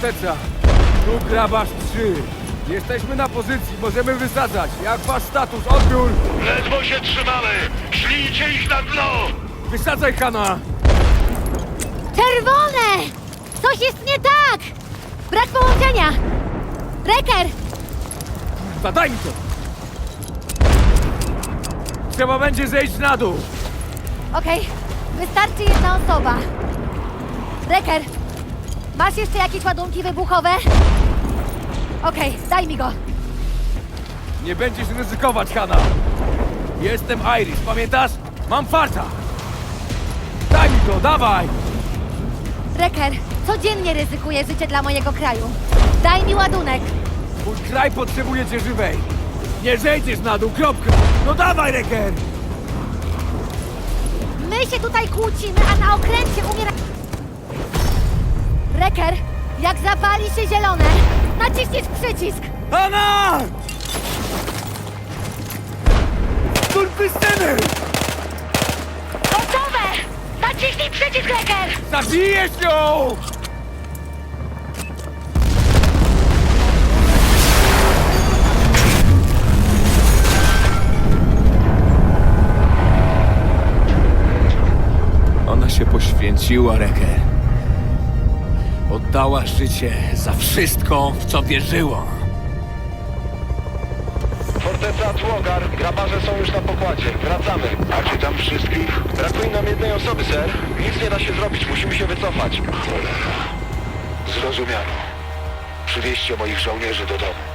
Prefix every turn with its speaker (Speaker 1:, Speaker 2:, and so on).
Speaker 1: forteca. Tu grabarz 3. Jesteśmy na pozycji, możemy wysadzać. Jak wasz status? Odbiór!
Speaker 2: Ledwo się trzymamy! Szlijcie ich na dno!
Speaker 1: Wysadzaj, Hanna!
Speaker 3: Czerwone! Coś jest nie tak! Brak połączenia! Reker!
Speaker 1: Zadaj mi to! Trzeba będzie zejść na dół.
Speaker 3: Okej, wystarczy jedna osoba. Reker, masz jeszcze jakieś ładunki wybuchowe? Okej, daj mi go.
Speaker 1: Nie będziesz ryzykować, Hanna. Jestem Iris, pamiętasz? Mam farta. Daj mi to, dawaj!
Speaker 3: Reker, codziennie ryzykuję życie dla mojego kraju. Daj mi ładunek.
Speaker 1: Mój kraj potrzebuje cię żywej. Nie zejdziesz na dół, kropka. No dawaj, Reker!
Speaker 3: My się tutaj kłócimy, a na okręcie umiera... Reker, jak zapali się zielone, naciśniesz przycisk.
Speaker 1: Hanna! Skurwysyny!
Speaker 3: Gotowe! Naciśnij przycisk, Reker!
Speaker 1: Zabijesz ją! Ona się poświęciła, Reker. Oddała życie za wszystko, w co wierzyła.
Speaker 2: Forteca Tłogar, grabarze są już na pokładzie. Wracamy. Macie tam wszystkich? Brakuje nam jednej osoby, ser. Nic nie da się zrobić, musimy się wycofać. Cholera. Zrozumiano. Przywieźcie moich żołnierzy do domu.